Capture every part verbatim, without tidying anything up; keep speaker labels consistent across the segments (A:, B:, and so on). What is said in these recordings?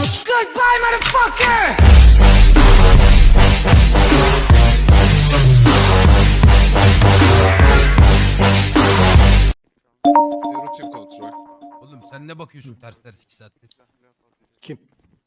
A: Goodbye, motherfucker!
B: Rutin kontrol.
C: Oğlum sen ne bakıyorsun ters ters iki saattir?
D: Kim?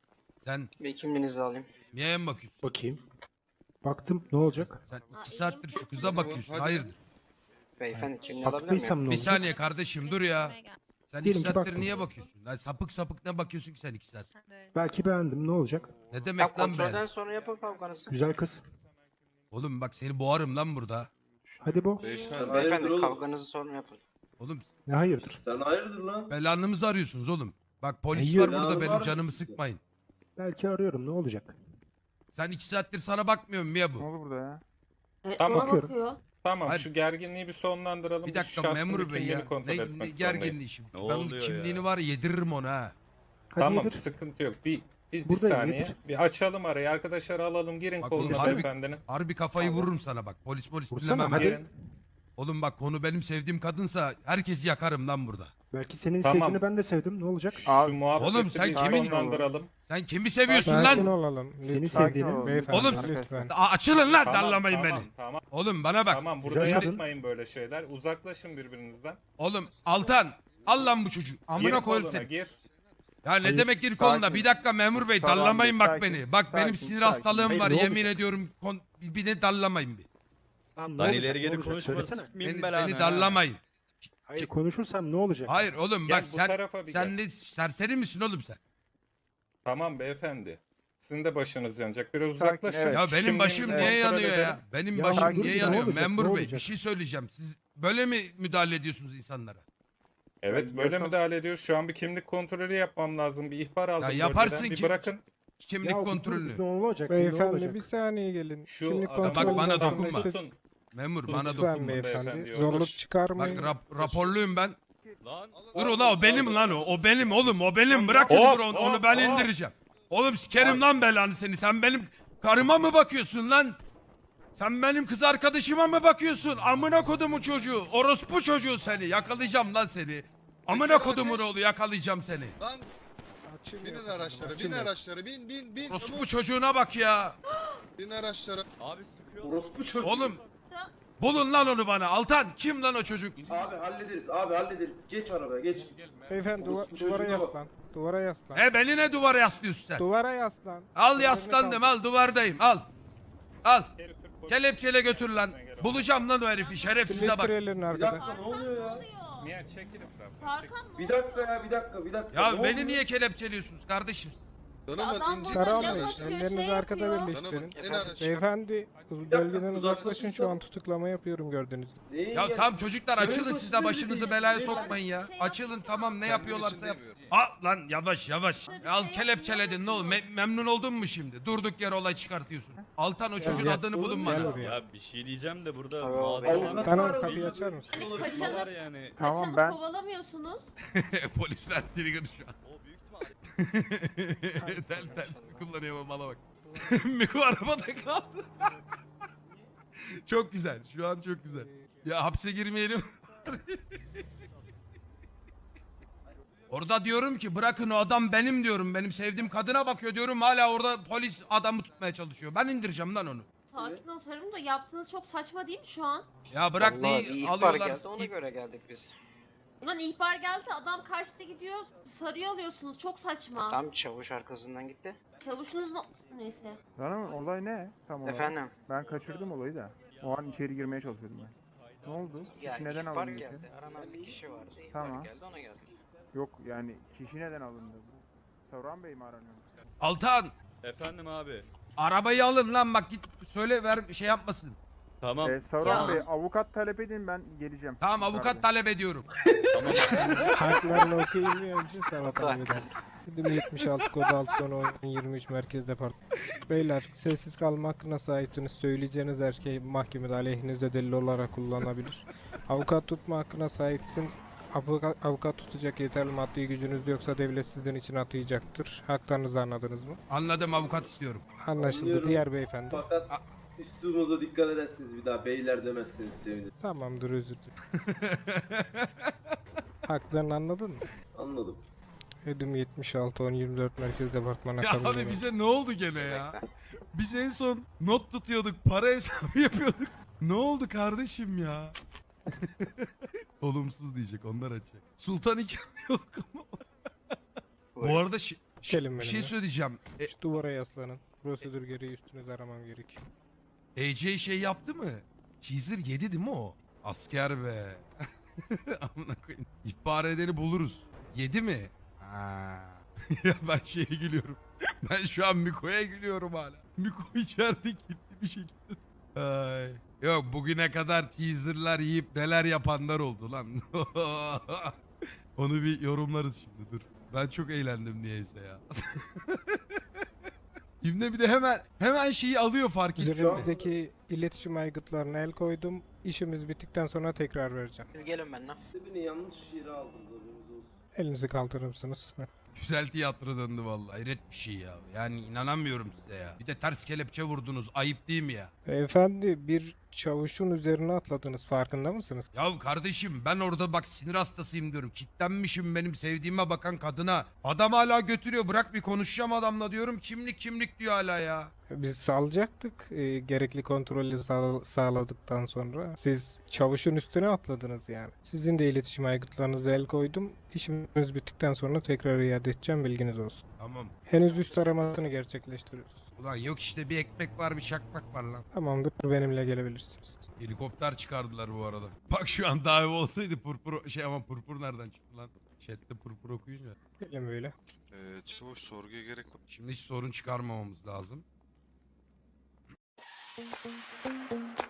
C: Sen
E: Bir kimliğinizi alayım.
C: Mia'ya mı bakıyorsun?
D: Bakayım. Baktım, ne olacak?
C: Sen iki saattir şu kıza bakıyorsun. Hayırdır?
E: Beyefendi kimliği alabilir miyim?
D: Baktıysam ne
C: Bir
D: olacak?
C: saniye kardeşim dur ya. Sen iki
D: Diyelim ki
C: saattir
D: baktım.
C: niye bakıyorsun? Lan sapık sapık ne bakıyorsun ki sen iki saat?
D: Belki beğendim, ne olacak?
C: Ne
E: Tam
C: demek lan
E: kontrolden
C: ben?
E: sonra yapın kavganızı.
D: Güzel kız.
C: Oğlum bak seni boğarım lan burada.
D: Hadi bu.
B: Beyefendi.
E: Beyefendi kavganızı sonra yapın.
C: Oğlum
D: Ne hayırdır?
F: Sen hayırdır lan?
C: belanımızı arıyorsunuz oğlum. Bak polis
D: Hayır,
C: var burada
F: belanı
C: benim
F: var.
C: canımı sıkmayın.
D: Belki arıyorum, ne olacak?
C: Sen iki saattir sana bakmıyorum Mia
G: Ne
C: bu.
G: olur burada ya?
H: Evet,
G: Tamam.
H: ona
D: Bakıyorum.
H: bakıyor.
G: Tamam
C: Hayır.
G: şu gerginliği bir sonlandıralım.
C: Bir
G: Biz
C: dakika
G: şahsın
C: memur
G: bir
C: bey
G: kimliğini
C: ya.
G: kontrol
C: Ne,
G: etmek
C: ne
G: zorundayız.
C: gerginliği şimdi.
I: Ne
C: Ben
I: oluyor
C: bunun kimliğini
I: ya?
C: var ya yediririm ona ha.
D: Hadi
G: Tamam
D: yedir.
G: sıkıntı yok. Bir, bir, bir
D: Buradayım,
G: saniye.
D: yedir.
G: Bir açalım arayı. Arkadaşları alalım. Girin
C: Bak
G: koluna
C: oğlum, harbi-
G: beyefendinin.
C: Harbi kafayı vururum sana bak. Polis polis
D: Vursana,
C: dinlemem.
D: hadi.
C: ha.
G: Girin.
C: Oğlum bak konu benim sevdiğim kadınsa herkesi yakarım lan burada.
D: Belki senin
G: Tamam.
D: sevgini ben de sevdim, ne olacak?
G: Şu muhabbeti
C: Oğlum sen
G: bir
C: kimin-
G: sonlandıralım.
C: Sen kimi seviyorsun
J: Sakin
C: lan?
J: olalım.
D: Seni
J: Lütfen.
D: sevdiğini.
J: Beyefendi
C: Oğlum,
J: lütfen.
C: A- açılın lan
G: Tamam,
C: darlamayın
G: tamam,
C: beni.
G: Tamam,
C: Oğlum bana bak.
G: tamam. Burada
D: Güzel kadın.
G: yapmayın böyle şeyler. Uzaklaşın birbirinizden.
C: Oğlum Altan al lan bu çocuğu. Amına
G: Gir
C: koyayım
G: koluna
C: seni.
G: gir.
C: Ya ne
D: Hayır.
C: demek gir koluna?
G: Sakin.
C: Bir dakika memur bey
G: Tamam,
C: darlamayın bak
G: sakin,
C: beni. Bak benim
G: sakin,
C: sinir
G: sakin.
C: hastalığım
D: Hayır,
C: var
D: ne
C: yemin
D: olacak?
C: ediyorum. Kon- bir de darlamayın bir.
D: Lan ne
I: Lan
D: olacak,
I: ileri
D: ne
I: geri
D: olacak?
I: konuşma
D: Söylesene.
I: sıkmayayım
C: Beni,
I: belanı
C: beni
I: ha.
C: darlamayın.
D: Hayır, konuşursam ne olacak?
C: Hayır oğlum
G: Gel
C: bak
G: bu
C: sen
G: tarafa bir
C: sen
G: gel.
C: de serseri misin oğlum sen?
G: Tamam beyefendi. Sizin de başınız yanacak. Biraz
J: Sakin,
G: uzaklaşın.
J: evet.
C: Ya benim
G: Kimliğinizi
C: başım niye
G: kontrol
C: yanıyor
G: edelim.
C: ya? Benim
D: Ya
C: başım
D: sakin,
C: niye
D: ne
C: yanıyor?
D: olacak,
C: Memur
D: ne
C: bey
D: olacak?
C: bir şey söyleyeceğim. Siz böyle mi müdahale ediyorsunuz insanlara?
G: Evet böyle müdahale ediyoruz. Şu an bir kimlik kontrolü yapmam lazım. Bir ihbar aldım.
C: Ya yaparsın
G: bölgeden. Bir
C: ki-
G: bırakın.
C: Kimlik
D: Ya,
C: kontrolünü.
D: Ne olacak? ne
J: Beyefendi
D: olacak?
J: bir saniye gelin.
G: Şu
J: Kimlik
G: adamı
C: bak,
J: kontrolü
C: bana
J: zaten
C: dokunma.
J: işte-
G: tutun.
C: Memur
G: Lütfen
C: bana
J: Lütfen
C: dokunma.
J: beyefendi.
G: Beyefendi,
J: Zorluk
G: yoklaş.
J: çıkarmayın.
C: Bak rap, raporluyum ben.
I: Lan.
C: Dur ulan o benim lan o. O benim oğlum o benim. Bırakın
G: Hop,
C: dur onu,
G: hop,
C: onu ben
G: hop.
C: indireceğim. Oğlum sikerim lan belanı seni. Sen benim karıma mı bakıyorsun lan? Sen benim kız arkadaşıma mı bakıyorsun? Amına kodumun çocuğu. Orospu çocuğu seni. Yakalayacağım lan seni. Amına kodumun oğlu yakalayacağım seni.
B: Lan
J: Açılmıyor.
B: binin araçlara, bin
J: Açılmıyor.
B: araçlara, bin bin bin.
C: Orospu
B: Çabuk,
C: çocuğuna bak ya.
B: bin araçlara.
I: Abi sıkıyor.
F: Orospu çocuğu.
C: Oğlum bulun lan onu bana. Altan kim lan o çocuk?
F: Abi hallederiz, abi hallederiz. Geç arabaya, geç.
J: Beyefendi duva-
F: Orospu
J: duvara
F: çocuğuna bak.
J: yaslan. Duvara yaslan.
C: E beni ne duvara yaslıyorsun sen?
J: Duvara yaslan.
C: Al
J: Ellerini
C: yaslandım
J: kaldır.
C: al duvardayım al. Al.
G: Geri Türk polisi-
C: Kelepçeyle götür lan. Bulacağım lan o herifi şerefsize bak.
J: Birleştir ellerini
F: Bir
J: arkadan.
F: dakika ne oluyor ya?
G: Mia çekil etrafına.
H: Tarkan
F: Bir dakika ya, bir dakika, bir dakika.
C: Ya
F: Ne
C: beni
F: oluyor?
C: niye kelepçeliyorsunuz kardeşim?
B: Danımın
H: Adam
B: ince
H: burada
J: Karahan
H: ne
J: Bey,
H: bakıyor,
J: ellerinizi
H: şey
J: arkada
H: yapıyor.
J: birleştirin.
B: Danımın en araç.
J: Beyefendi, bölgeden uzaklaşın, şu an tutuklama yapıyorum gördüğünüz gibi.
F: Neyin
C: Ya
F: gel-
C: tam çocuklar açılın
F: Benim
C: siz de
F: başım
C: başınızı
F: değil,
C: belaya
F: değil.
C: sokmayın ya. Açılın tamam ne
B: Kendim
C: yapıyorlarsa
B: için
C: yap.
B: demiyorum.
C: Aa lan yavaş yavaş. Al kelepçeledin ne olur Me- memnun oldun mu şimdi? Durduk yere olay çıkartıyorsun. Altan o çocuğun
J: gel.
C: adını bulun
J: Gel
C: bana.
J: buraya.
I: Ya bir şey diyeceğim de burada
E: Abi,
I: mağdur
E: abi.
I: olan
J: Tamam,
F: Var,
J: kapıyı
F: bir-
J: açar mısın?
H: Hani
I: var
H: kaçanı,
I: yani.
J: Tamam,
H: kaçanı
J: ben-
H: kovalamıyorsunuz.
C: Polisler trigger şu an.
I: O büyük ihtimalle.
C: tel telsiz kullanıyor ama mala bak. Miko arabada kaldı. Çok güzel. Şu an çok güzel. Ya hapse girmeyelim. Orada diyorum ki bırakın o adam benim diyorum. Benim sevdiğim kadına bakıyor diyorum. Hala orada polis adamı tutmaya çalışıyor. Ben indireceğim lan onu.
H: Sakin ol Sarım da yaptığınız çok saçma değil mi şu an?
C: Ya bırak
E: Vallahi bir
C: neyi
E: ihbar
C: alıyorlar.
E: geldi ona göre geldik biz.
H: Ulan ihbar geldi adam kaçtı gidiyor sarıyor alıyorsunuz çok saçma.
E: Tam çavuş arkasından gitti.
H: Çavuşunuz no- neyse.
J: Canım olay ne? Tamam.
E: Efendim.
J: Ben kaçırdım olayı da. O an içeri girmeye çalışıyordum ben. Ne oldu?
E: Ya
J: Kişi neden
E: ihbar
J: alındı?
E: geldi. Aranan bir kişi vardı. İhbar
J: Tamam.
E: geldi ona geldik.
J: Yok yani kişi neden alındı? Savran Bey mi aranıyor?
C: Altan
I: Efendim abi.
C: arabayı alın lan bak git söyle ver şey yapmasın.
I: Tamam.
J: Ee,
H: Savran Ya. Bey,
J: avukat talep edin ben geleceğim.
C: Tamam avukat talep ediyorum.
I: Tamam.
J: Haklarını okuyayım önce sana talep ederim. Bizim yetmiş altı kod altı son oyun yirmi üç merkez departman. Beyler sessiz kalma hakkına sahipsiniz. Söyleyeceğiniz her şey mahkemede aleyhinizde delil olarak kullanılabilir. Avukat tutma hakkına sahipsiniz. Avukat, avukat tutacak yeterli maddi gücünüz yoksa devlet sizin için atayacaktır. Haklarınızı anladınız mı?
C: Anladım avukat istiyorum.
J: Anlaşıldı.
F: Anlıyorum.
J: Diğer beyefendi.
F: Fakat üslubunuza dikkat ederseniz bir daha beyler demezseniz sevinirim.
J: Tamamdır özür dilerim. Haklarını anladın mı?
F: Anladım.
J: Edim yetmiş altı on yirmi dört Merkez Departmanı
C: Ya
J: akabinde
C: abi
J: ben.
C: bize ne oldu gene ya?
E: Bekle.
C: Biz en son not tutuyorduk, para hesabı yapıyorduk. Ne oldu kardeşim ya? Olumsuz diyecek, onlar açacak. Sultan iki yapıyorduk ama. Bu arada şi- şi-
J: Gelin
C: bir şey
J: benimle.
C: söyleyeceğim. E,
J: Şu duvara yaslanın. Prosedür gereği üstünüzü aramam gerekiyor.
C: A J şey yaptı mı? Teaser yedi değil mi o? Asker be. Amına koyayım. İhbar edeni buluruz. Yedi mi? Ha. Ya ben şeye gülüyorum. Ben şu an Miko'ya gülüyorum hala. Miko içeride gitti bir şekilde. Ay. Yok bugüne kadar teaserlar yiyip neler yapanlar oldu lan. Onu bir yorumlarız şimdi dur. Ben çok eğlendim niyeyse ya. Şimdi bir de hemen hemen şeyi alıyor fark ettim.
J: Üzerimizdeki iletişim aygıtlarına el koydum. İşimiz bittikten sonra tekrar vereceğim.
E: Siz gelin benimle.
F: Beni yanlış yere aldınız haberiniz olsun.
J: Elinizi kaldırır mısınız?
C: Güzel tiyatro döndü vallahi. Hayret bir şey ya. Yani inanamıyorum size ya. Bir de ters kelepçe vurdunuz. Ayıp değil mi ya?
J: Beyefendi bir çavuşun üzerine atladınız farkında mısınız?
C: Ya kardeşim ben orada bak sinir hastasıyım diyorum. Kitlenmişim benim sevdiğime bakan kadına. Adam hala götürüyor. Bırak bir konuşacağım adamla diyorum. Kimlik kimlik diyor hala ya.
J: Biz salacaktık e, gerekli kontrolü sağ- sağladıktan sonra. Siz çavuşun üstüne atladınız yani. Sizin de iletişim aygıtlarınıza el koydum. İşimiz bittikten sonra tekrar iade edeceğim bilginiz olsun.
C: Tamam.
J: Henüz üst aramasını gerçekleştiriyoruz.
C: Ulan yok işte bir ekmek var bir çakmak var lan.
J: Tamamdır benimle gelebilirsiniz.
C: Helikopter çıkardılar bu arada. Bak şu an dive olsaydı purpur şey ama purpur nereden çıktı lan? Chat'te purpur okuyunca.
J: Gelin böyle.
B: Ee, çavuş sorguya gerek yok.
C: Şimdi hiç sorun çıkarmamamız lazım.